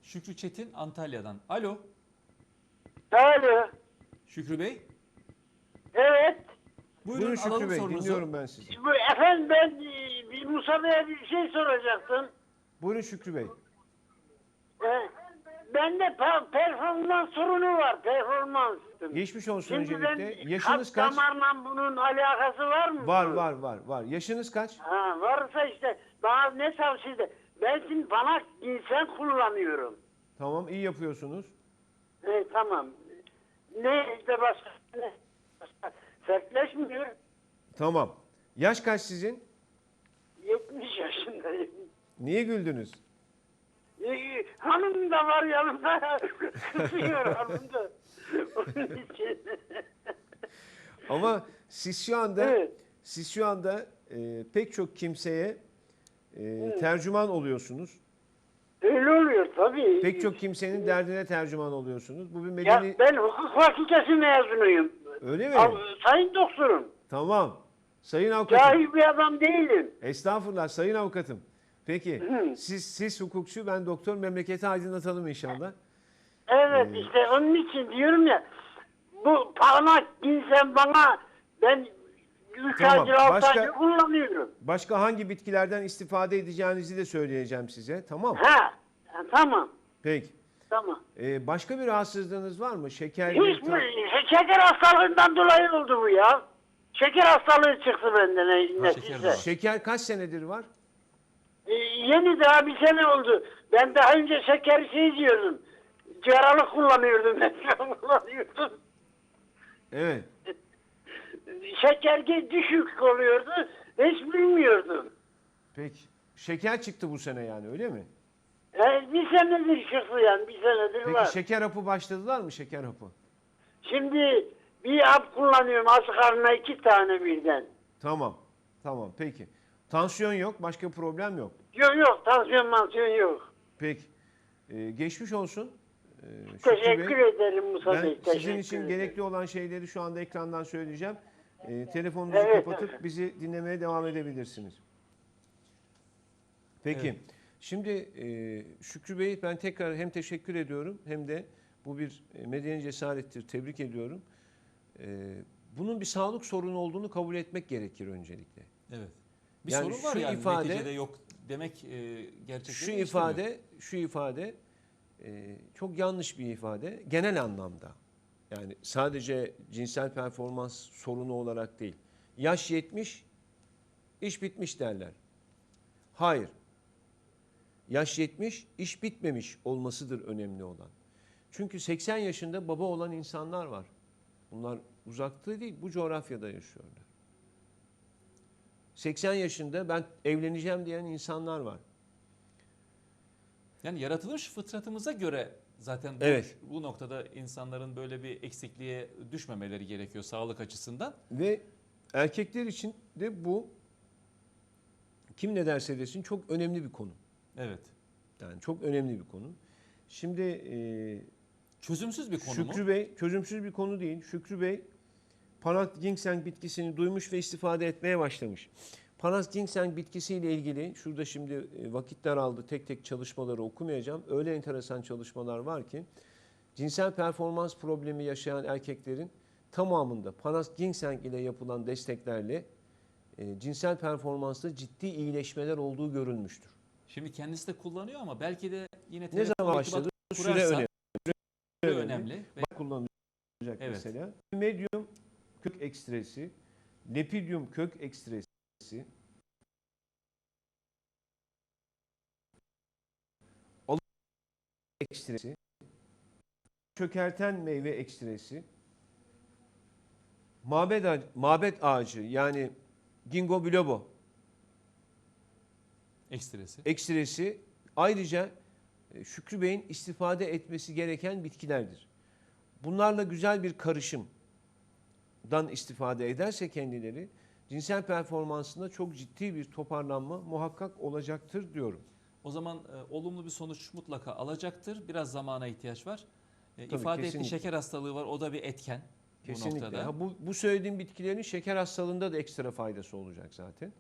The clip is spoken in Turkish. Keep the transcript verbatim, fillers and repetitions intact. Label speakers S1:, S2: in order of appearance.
S1: Şükrü Çetin Antalya'dan. Alo.
S2: Alo.
S1: Şükrü Bey.
S2: Evet.
S1: Buyurun,
S3: Buyurun Şükrü
S1: alalım
S3: Bey,
S1: sorunuzu.
S3: dinliyorum ben sizi.
S2: Bu, efendim ben e, bir Musa Bey'e bir şey soracaktım.
S3: Buyurun Şükrü Bey.
S2: E, bende pe- performans sorunu var. Performans.
S3: Geçmiş olsun
S2: Şimdi
S3: öncelikle.
S2: ben
S3: Yaşınız
S2: kalp
S3: kaç?
S2: damarla bunun alakası var mı?
S3: Var var var var. Yaşınız kaç?
S2: Ha, varsa işte bana ne tavsiye de. Ben şimdi bana insan kullanıyorum.
S3: Tamam, iyi yapıyorsunuz.
S2: E, tamam. Ne işte başka ne? Başka- Sertleşmiyor.
S3: Tamam. Yaş kaç sizin?
S2: yetmiş yaşındayım.
S3: Niye güldünüz?
S2: Ee, hanım da var yanımda. Kızıyor hanım da. Onun için.
S3: Ama siz şu anda
S2: Evet.
S3: siz şu anda e, pek çok kimseye e, tercüman oluyorsunuz.
S2: Öyle oluyor tabii.
S3: Pek çok kimsenin derdine tercüman oluyorsunuz. Bu bir
S2: Ya
S3: medeni...
S2: ben hukuk fakültesi mezunuyum.
S3: Öyle mi?
S2: Av- Sayın doktorum.
S3: Tamam. Sayın avukatım.
S2: Cahil bir adam değilim.
S3: Estağfurullah sayın avukatım. Peki siz siz hukukçu, ben doktor, memleketi aydınlatalım inşallah.
S2: Evet
S3: Ee,
S2: işte onun için diyorum ya. Bu parmak insan bana ben üç
S3: Tamam,
S2: aydır altı
S3: başka-
S2: aydır kullanıyorum.
S3: Başka hangi bitkilerden istifade edeceğinizi de söyleyeceğim size. Tamam.
S2: Ha, ha, tamam.
S3: Peki.
S2: Tamam.
S3: Ee, başka bir rahatsızlığınız var mı? Şeker,
S2: Hiç
S3: bir-
S2: mi? Şeker hastalığından dolayı oldu bu ya. Şeker hastalığı çıktı benden ne, ne
S1: şeker de
S2: size.
S1: var.
S3: Şeker kaç senedir var?
S2: Ee, yeni daha bir sene oldu. Ben daha önce şeker şey diyordum. Cigaralık kullanıyordum. Ben kullanıyordum.
S3: Evet.
S2: Şeker ge- düşük oluyordu. Hiç bilmiyordum.
S3: Peki. Şeker çıktı bu sene yani, öyle mi?
S2: Yani bir senedir çıktı yani. Bir senedir
S3: Peki
S2: var.
S3: şeker hapı başladılar mı, şeker hapı?
S2: Şimdi bir hap kullanıyorum. Aç karnına iki tane birden.
S3: Tamam. Tamam peki. Tansiyon yok, başka problem yok.
S2: Yok yok. Tansiyon mansiyon yok.
S3: Peki. Ee, geçmiş olsun. Ee, Şükrü
S2: Teşekkür
S3: Bey.
S2: ederim Musa
S3: Ben
S2: Bey.
S3: sizin
S2: teşekkür
S3: için
S2: ederim.
S3: gerekli olan şeyleri şu anda ekrandan söyleyeceğim. Ee, telefonunuzu
S2: Evet,
S3: kapatıp
S2: evet.
S3: bizi dinlemeye devam edebilirsiniz. Peki.
S1: Evet.
S3: Şimdi e, Şükrü Bey, ben tekrar hem teşekkür ediyorum hem de bu bir e, medeni cesarettir. Tebrik ediyorum. E, bunun bir sağlık sorunu olduğunu kabul etmek gerekir öncelikle.
S1: Evet. Bir
S3: Yani
S1: sorun var
S3: şu
S1: yani
S3: ifade-
S1: neticede yok demek e, gerçekten
S3: Şu ifade, şu ifade e, çok yanlış bir ifade genel anlamda. Yani sadece cinsel performans sorunu olarak değil. Yaş yetmiş, iş bitmiş derler. Hayır. Yaş yetmiş, iş bitmemiş olmasıdır önemli olan. Çünkü seksen yaşında baba olan insanlar var. Bunlar uzakta değil, bu coğrafyada yaşıyorlar. seksen yaşında ben evleneceğim diyen insanlar var.
S1: Yani yaratılış fıtratımıza göre zaten bu,
S3: Evet.
S1: bu noktada insanların böyle bir eksikliğe düşmemeleri gerekiyor sağlık açısından.
S3: Ve erkekler için de bu, kim ne derse desin, çok önemli bir konu.
S1: Evet.
S3: Yani çok önemli bir konu. Şimdi e,
S1: Çözümsüz bir konu
S3: Şükrü
S1: mu?
S3: Bey, çözümsüz bir konu değil. Şükrü Bey Panas ginseng bitkisini duymuş ve istifade etmeye başlamış. Panas ginseng bitkisiyle ilgili şurada şimdi e, vakit daraldı, tek tek çalışmaları okumayacağım. Öyle enteresan çalışmalar var ki cinsel performans problemi yaşayan erkeklerin tamamında Panas ginseng ile yapılan desteklerle e, cinsel performansta ciddi iyileşmeler olduğu görülmüştür.
S1: Şimdi kendisi de kullanıyor ama belki de yine
S3: Ne
S1: telefon
S3: zaman
S1: irtibatı
S3: başladı? Süre
S1: kurarsa
S3: önemli.
S1: süre
S3: önemli.
S1: önemli. Ve
S3: Bak kullanılacak
S1: Evet.
S3: mesela. Medyum kök ekstresi, lepidium kök ekstresi, alık ekstresi, çökerten meyve ekstresi, mabet ağacı, mabet ağacı yani ginkgo biloba
S1: ekstresi.
S3: ekstresi ayrıca e, Şükrü Bey'in istifade etmesi gereken bitkilerdir. Bunlarla güzel bir karışımdan istifade ederse kendileri cinsel performansında çok ciddi bir toparlanma muhakkak olacaktır diyorum.
S1: O zaman e, olumlu bir sonuç mutlaka alacaktır. Biraz zamana ihtiyaç var. E,
S3: Tabii,
S1: ifade ettiği
S3: kesinlikle.
S1: şeker hastalığı var. O da bir etken bu
S3: Kesinlikle.
S1: noktada.
S3: Ha, bu, bu söylediğim bitkilerin şeker hastalığında da ekstra faydası olacak zaten.